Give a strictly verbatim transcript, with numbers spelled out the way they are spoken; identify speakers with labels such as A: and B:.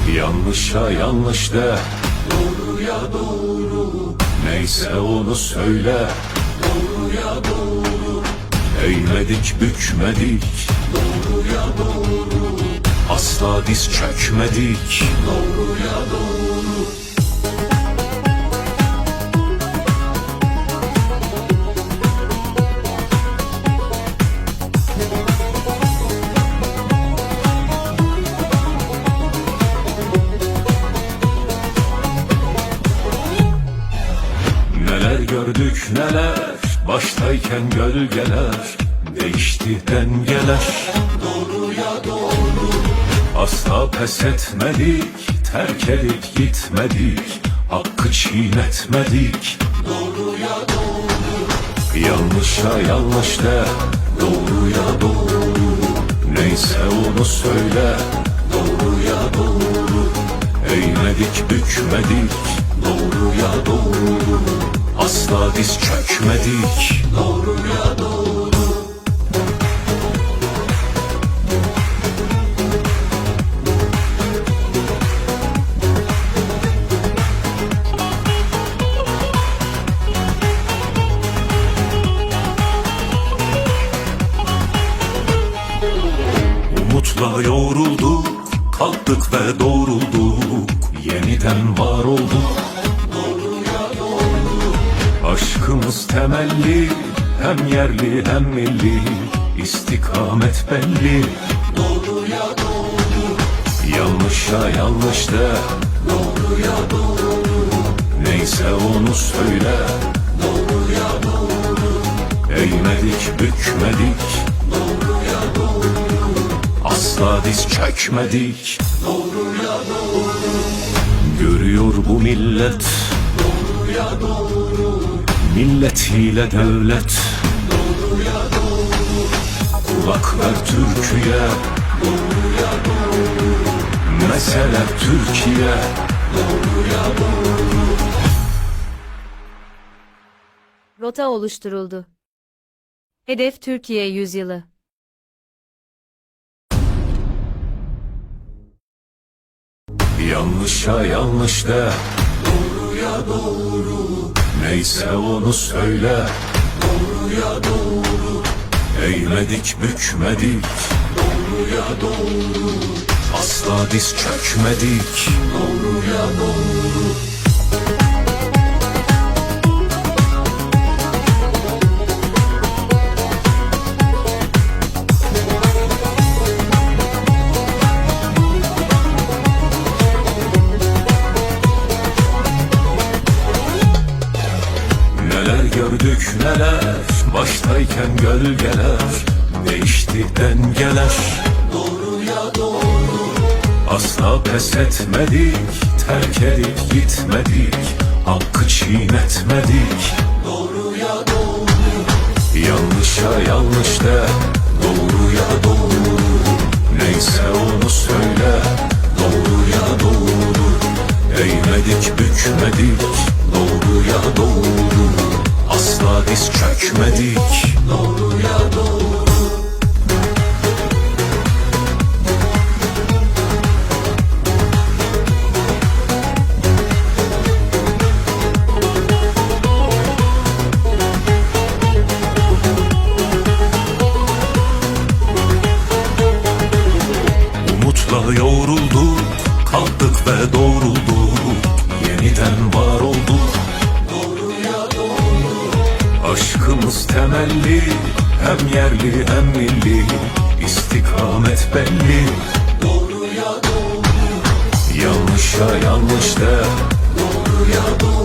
A: Yanlışa yanlış de, doğruya doğru. Neyse onu söyle, doğruya doğru. Eğmedik bükmedik, doğruya doğru. Asla diz çökmedik, doğruya doğru. Neler gördük neler, baştayken gölgeler. Değişti dengeler, doğruya doğru. Asla pes etmedik, terk edip gitmedik. Hakkı çiğnetmedik, doğruya doğru. Yanlışa yanlış de, doğruya doğru. Neyse onu söyle, doğruya doğru. Eğmedik bükmedik, doğruya doğru. Asla diz çökmedik, doğruya doğru. Umutla yoğrulduk, kalktık ve doğrulduk. Yeniden var olduk, doğruya doğru. Aşkımız temelli, hem yerli hem milli. İstikamet belli, doğruya doğru. Yanlışa yanlış de, doğruya doğru. Neyse onu söyle, doğruya doğru. Eğmedik bükmedik, doğruya doğru. Asla diz çökmedik, doğruya doğru. Görüyor bu millet, doğruya doğru. Milletiyle devlet, doğruya doğru. Kulak ver Türkiye, doğruya doğru. Mesele Türkiye, doğruya doğru.
B: Rota oluşturuldu. Hedef Türkiye yüzyılı.
A: Yanlışa yanlış de, doğruya doğru. Neyse onu söyle, doğruya doğru. Eğmedik bükmedik, doğruya doğru. Asla diz çökmedik, doğruya doğru. Neler gördük neler, baştayken gölgeler. Değişti dengeler, doğruya doğru. Asla pes etmedik, terk edip gitmedik. Hakkı çiğnetmedik, doğruya doğru. Yanlışa yanlış de, doğruya doğru. Neyse onu söyle, doğruya doğru. Eğmedik bükmedik, doğruya doğru. Asla diz çökmedik, doğruya doğru. Umutla yoğrulduk, kalktık ve doğrulduk. Yeniden var olduk, doğruya doğru. Aşkımız temelli, hem yerli hem milli. İstikamet belli, doğruya doğru. Yanlışa yanlış de, doğruya doğru.